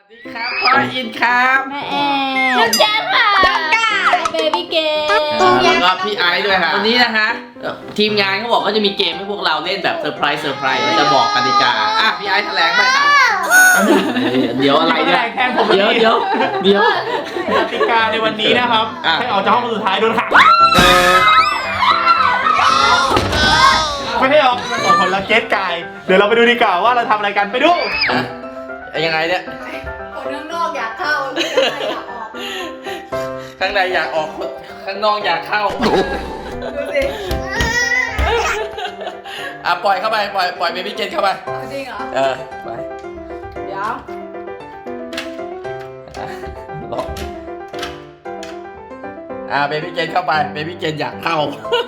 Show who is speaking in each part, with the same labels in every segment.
Speaker 1: สวัสดีครับพ่ออินครับ
Speaker 2: แม่แอนน้องแจ๊คค่ะเบบี้เกม
Speaker 1: แล้วก็พี่ไอซ์ด้วยค่ะวันนี้นะคะทีมงานเขาบอกว่าจะมีเกมให้พวกเราเล่นแบบเซอร์ไพรส์จะบอกกติกาพี่ไอซ์แถลงไปค่ะเดี๋ยวอะไรเนี่ย
Speaker 3: แทนผม
Speaker 1: เดี๋ยว
Speaker 3: กติกาในวันนี้นะครับให้ออกจากห้องสุดท้ายโดนหักไม่ให้ออกมันสองคนละเกตกายเดี๋ยวเราไปดูดีกว่าว่าเราทำอะไรกันไปดู
Speaker 1: ยังไงเนี่ย
Speaker 2: คนข้างนอกอยากเข้า
Speaker 1: ข้างในอยากออกข้างนอกอยากเข้าดูสิปล่อยเข้าไปปล่อยเบบี้เกนเข้าไป
Speaker 2: จริงเหรอ
Speaker 1: ไป
Speaker 2: เดี๋ยว
Speaker 1: ล็อกเบบี้เกนเข้าไปเบบี้เกนอยากเข้า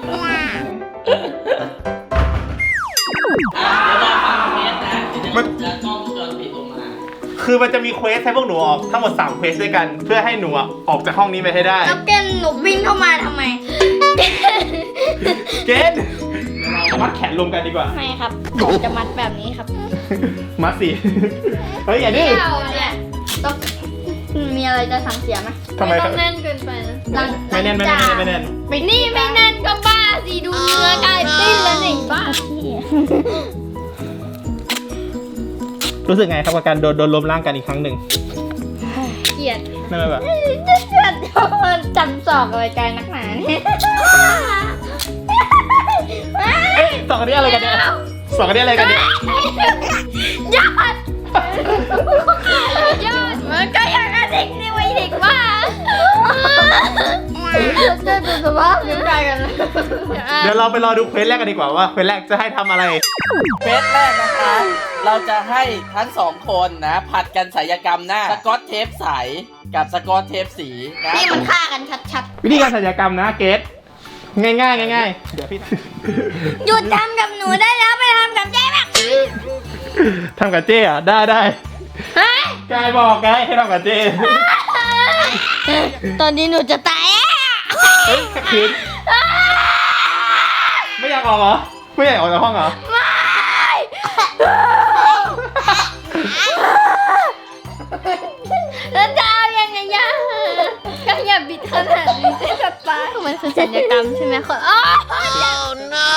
Speaker 3: คือมันจะมีเควสให้พวกหนูออกทั้งหมด3เควสด้วยกันเพื่อให้หนูออกจากห้องนี้ไปให้ได้
Speaker 2: แล้วเกณฑ์หนูวิ่งเข้ามาทำไม
Speaker 3: เกณฑ์เรามัดแขนรวมกันดีกว่า
Speaker 2: ไม่ครับผมจะมัดแบบนี้ครับ
Speaker 3: มัดสิเฮ้ยอย่าดื้อ
Speaker 2: เนี่ยต้องมีอะไรจะสั่งเสียไหม
Speaker 3: ทำไม
Speaker 2: ต้องแน่นเกินไปนะ
Speaker 3: ไม่แน่น
Speaker 2: นี่ไม่แน่นก็บ้าสิดูเนื้อกลายปิ้นแล้วนี่บ้า
Speaker 3: รู้สึกไงครับกับการโดนล้มร่างกันอีกครั้งหนึ่ง
Speaker 2: เกลียด
Speaker 3: นั่นแบบ
Speaker 2: จะจำสอบอะไรกันนักหนาเนี่ย
Speaker 3: สองคนนี้อะไรกันเนี่ยสองคนนี้อะไรกันเนี่ย
Speaker 2: ยอดมันก็อย่างนั้นเด็กนี่ไว้เด็กว่าจะดูสภาพนิ้วใจกัน
Speaker 3: เดี๋ยวเราไปรอดูเควสแรกกันดีกว่าว่าเควสแรกจะให้ทำอะไร
Speaker 1: เควสแรกนะคะเราจะให้ทั้ง2คนนะผัดกันศัลยกรรมหน้าสกอตเทปใสกับสกอตเทปสีนะ
Speaker 2: นี่มันฆ่ากันชัด
Speaker 3: ๆวิธีการศัลยกรรมนะเกสง่ายเดี๋ยวพี่
Speaker 2: หยุดทำกับหนูได้แล้วไปทำกับเจ๊แบบ
Speaker 3: ทำกับเจ๊อะได้กายบอกไงให้ทำกับเจ๊
Speaker 2: ตอนนี้หนูจะตาย
Speaker 3: เฮ้ยคืนไม่อยากออกเหรอไม่อยากออกจากห้องเหรอ
Speaker 2: ไม่แล้วจะเอายังไงย่าก็อย่าบิดขนาดนี้จะตายมันคือศัลยกรรมใช่ไหมคนอ๋อ no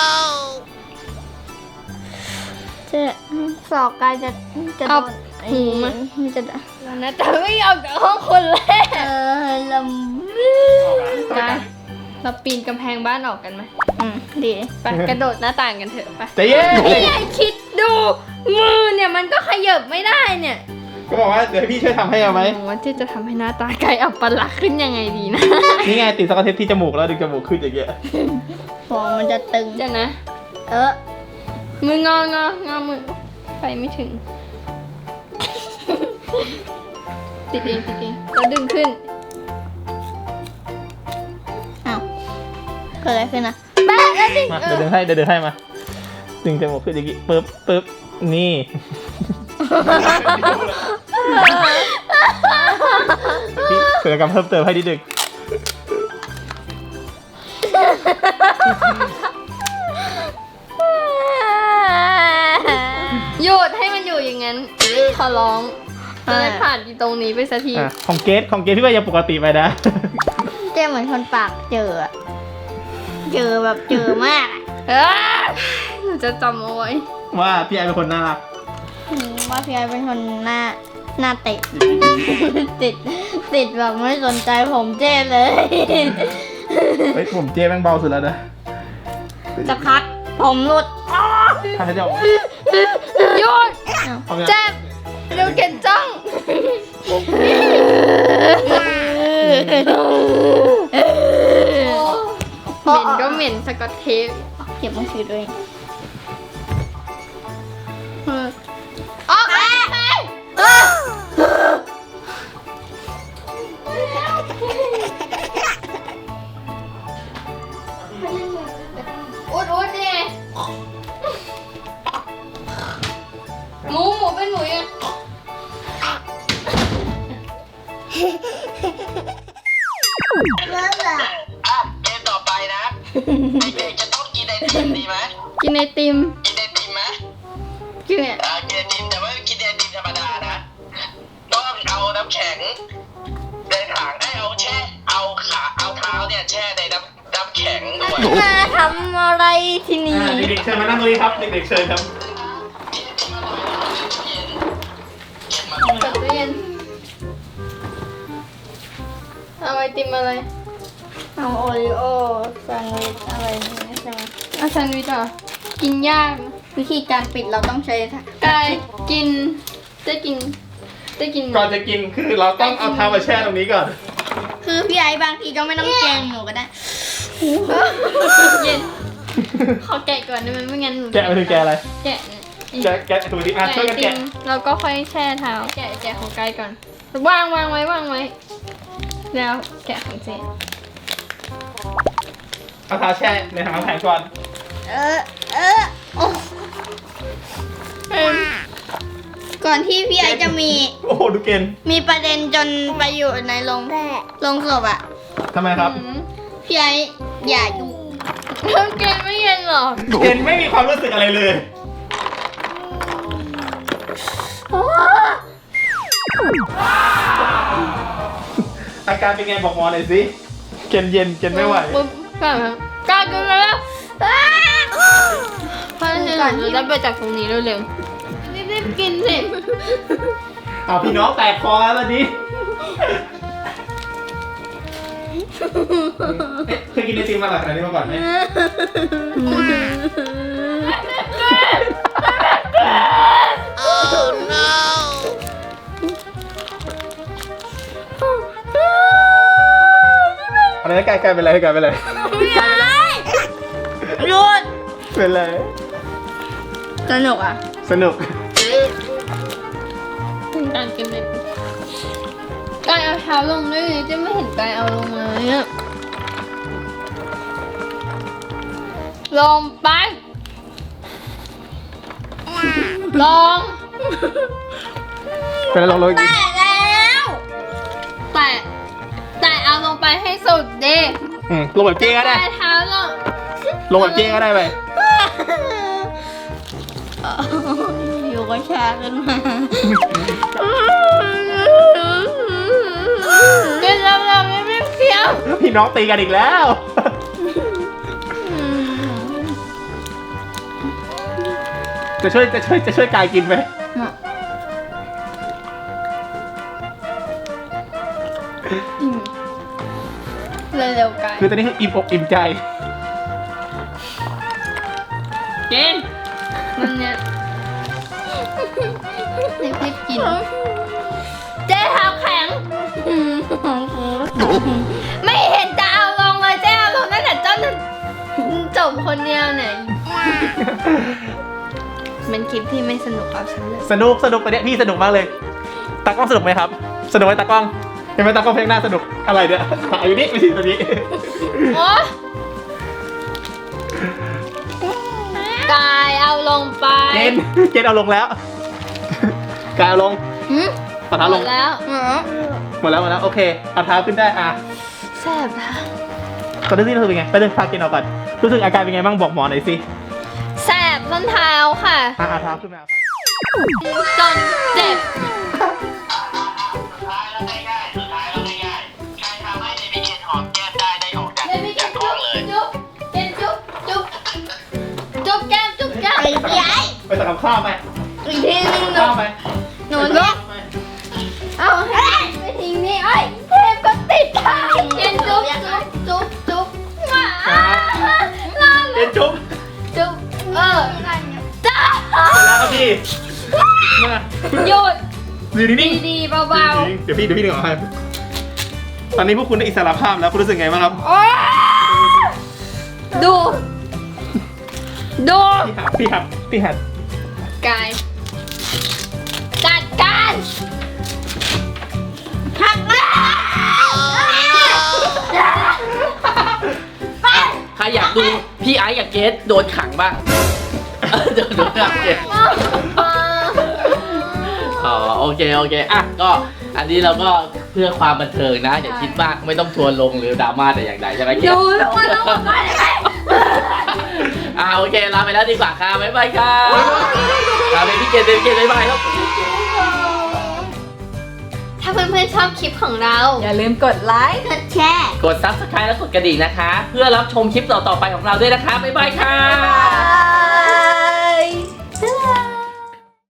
Speaker 2: เจ๊สอกกายจะโดนหูมันจะนะแต่ไม่ออกจากห้องคนแรกลำกายเราปีนกำแพงบ้านออกกันไหมดีไปกระโดดหน้าต่างกันเถอะไป
Speaker 3: ใจเย็น
Speaker 2: นี่คิดดูมือเนี่ยมันก็ขยับไม่ได้เนี่ย
Speaker 3: ก็บอกว่าเดี๋ยวพี่ช่วยทำให้เอาไหม
Speaker 2: ว่าเจ๊จะทำให้หน้าตากายอับปลักษณ์ขึ้นยังไงดีนะ
Speaker 3: นี่ไงติดสกอตเทปที่จมูกแล้วดึงจมูกขึ้นอย่างเงี้ย
Speaker 2: ฟองมันจะตึงจ้ะนะมืองอมือไปไม่ถึงติดเองแล้วดึงขึ้นอ้าวเกิดอะไรขึ้นนะแม่แล้วดิ
Speaker 3: มาเดี๋ยวดึงให้มาดึงจมูกขึ้นอย่างงี้ปึ๊บนี่พี่เกิดการเพิ่มเติมให้นิดนึง
Speaker 2: หยุดให้มันอยู่อย่างนั้นขอร้องจะได้ผ่านตรงนี้ไปสักที
Speaker 3: ของเกสพี่ว่ายังปกติไปนะ
Speaker 2: เจ๊เหมือนคนปากเจอแบบเจอมากหนูจะจำเอาไว้
Speaker 3: ว่าพี่ไอเป็นคนน่ารัก
Speaker 2: ว่าพี่ไอเป็นคนหน้าติดแบบไม่สนใจผมเจ๊เลย
Speaker 3: เฮ้ยผมเจ๊แม่งเบาสุดแล้วนะ
Speaker 2: จะพักผมหลุด
Speaker 3: ทำให้เจ้า
Speaker 2: หยุดเจ็บเร็วเก็บจ้องเหม็นก็เหม็นสกอตเทปเก็บมือถือด้วยออกไปอุดดิหมูเป็นหมูยัง
Speaker 1: เกมต่อไปนะเด็กๆจะต้องกินไอติมดีไหม
Speaker 2: กินไอติม
Speaker 1: ไหมกินไอติมแต่ว่ากินไอติมธรรมดานะต้องเอา
Speaker 4: ำแข็งในถังให้เอาเท้าเนี่ยแช่ในน้ำแข็งด้วย
Speaker 2: มาทำอะไรที่นี่
Speaker 3: เด็กๆเชิญมานั่งตรงนี้ครับเด็กๆเชิญครับ
Speaker 2: เปิดตู้เย็นเอาไอติมอะไรเอาโอริโอแซนด์วิชอะไรนี่ใช่ไหมเอาแซนด์วิชเหรอกินยากนะวิธีการปิดเราต้องใช้กายกินจะกิน
Speaker 3: ก่อนจะกินคือเราต้องเอาเท้ามาแช่ตรงนี้ก่อน
Speaker 2: คือพี่ไอ้บางทีก็ไม่ต้องแกงหนูก็ได้เย็นขอแกะก่อนได้ไหมไม่งั้นหนู
Speaker 3: แกะไปถึงแกะอะไร
Speaker 2: แกะ
Speaker 3: แกะถูกดิช่วยกันแกะ
Speaker 2: เราก็ค่อยแช่เท้าแกะของกายก่อนวางไว้แล้วแกะของเจน
Speaker 3: เอาเท้าแช่ในถังน้ำแข็งก่อน
Speaker 2: ก่อนที่พี่ไอจะมี
Speaker 3: โอ้โหดูเกณฑ์
Speaker 2: มีประเด็นจนไปอยู่ในโรงศพอ่ะ
Speaker 3: ทำไมครับ
Speaker 2: พี่ไออย่าอยู่เกณฑ์ไม่เย็นหรอ
Speaker 3: เกณฑ์ไม่มีความรู้สึกอะไรเลย อาการเป็นไงบอกหมอหน่อยสิเกณฑ์เย็นเกณฑ์ไม่ไหว
Speaker 2: ปุ๊บกล้ากินแล้วเพราะฉะนั้นเราจะไปจากตรงนี้เร็วๆรีบกินสิ
Speaker 3: เอาพี่น้องแตกคอแล้วตอนนี้เคยกินไอติมมาหลายขนาดนี้มาก่อนไหมอะไรนะกายเป็นไรกายเป็นไร
Speaker 2: หยุด
Speaker 3: เป็นไร
Speaker 2: สนุกอ่ะ
Speaker 3: สนุก
Speaker 2: การกินเลยกายเอาเท้าลงด้วยจะไม่เห็นกายเอาลงเลยอะลงไปลง
Speaker 3: เป็นไรลองอีก
Speaker 2: แตะแล้วแต่เอาลงไปให้สุดดิ
Speaker 3: ลงแบบเจ๊ก็ได้
Speaker 2: แตะเท้าลง
Speaker 3: ลงแบบเจ๊ก็ได้ไป
Speaker 2: อยู่ก็ชาขึ้นมาเดี๋ยวเราไม่เพี้ยว
Speaker 3: พี่น้องตีกันอีกแล้ว จะช่วยกายกินไหม
Speaker 2: เร็วๆกัน
Speaker 3: คือตอนนี้คืออิ่มอกอิ่มใจ
Speaker 2: กินมันเนี่ยรีบกินเจ๊เท้าแข็งไม่เห็นจะเอาลงเลยเจ๊เอาลงตั้งแต่ต้นจบคนเดียวเนี่ยมันคลิปที่ไม่สนุกเอาฉันเลย
Speaker 3: สนุกตอนนี้พี่สนุกมากเลยตากล้องสนุกไหมครับ สนุกไหมตากล้องเห็นไหมตากล้องเพลงหน้าสนุกอะไรเนี่ยอยู่นี่ไม่ใช่ตัวนี้
Speaker 2: โอ๊ยกายเอาลงไป
Speaker 3: เกณฑ์เอาลงแล้วกายเอาลงเอาเท้าลง
Speaker 2: หมดแล้ว
Speaker 3: หมดแล้วโอเคเอาเท้าขึ้นได้
Speaker 2: แสบนะ
Speaker 3: ตอนนี้รู้สึกเป็นไงไปเดินพาเกณฑ์เอาก่อนรู้สึกอาการเป็นไงบ้างบอกหมอหน่อยสิ
Speaker 2: แสบส้นเท้าค่ะ
Speaker 3: เอาเท้าขึ้นมา
Speaker 2: จนเจ็บ
Speaker 4: สุดท้ายแล้วง่ายใครทำให้เดมิเกนหอมแก้มได้ออกจากห้องเลย
Speaker 2: จุ๊บแก้มจุ๊บแก้มไอ้พี่ไอ้
Speaker 3: ไปสั่งกับข้าวไหม
Speaker 2: อีกทีนึง
Speaker 3: ข้าวไหม
Speaker 2: หนูเนี่ยเอาให้ไปทิ้งนี่ไอ้เทปก็ติดค่ะเย็นจุ๊บหมาลา
Speaker 3: เกณฑ์จุ๊บ
Speaker 2: จุ๊บจ้า
Speaker 3: เสร็จแล้วครับพี่มา
Speaker 2: หยุด
Speaker 3: อยู่นิ่ง
Speaker 2: ดีๆเบา
Speaker 3: ๆเดี๋ยวพี่ดึงออกให้ตอนนี้พวกคุณได้อิสรภาพแล้วคุณรู้สึกไงบ้างครับ
Speaker 2: ๆโอ๊ยดู
Speaker 3: พี่หัด
Speaker 2: กายจัดการหักมา
Speaker 1: ใครอยากดูพี่ไอซ์กับเกสโดนขังบ้างโดนขังเกสอ๋อโอเคอ่ะก็อันนี้เราก็เพื่อความบันเทิงนะอย่าคิดมากไม่ต้องทัวร์ลงหรือดราม่าแต่อย่างใดใช่ไหมเกส
Speaker 2: ดูทุกคนต้องมาก่อนเลย
Speaker 1: โอเคลาไปแล้วดีกว่าค่ะบ๊ายบายค่ะลาไปพี่เกสบ๊ายบายครับ
Speaker 2: ถ้าาเพื่อนๆชอบคลิปของเรา
Speaker 5: อย่าลืมกดไลค์
Speaker 2: กดแชร์
Speaker 1: กด Subscribe และกดกระดิ่งนะคะ เพื่อรับชมคลิปต่อๆไปของเราด้วยนะคะ บ๊ายบายค่ะ
Speaker 5: บ๊ายบาย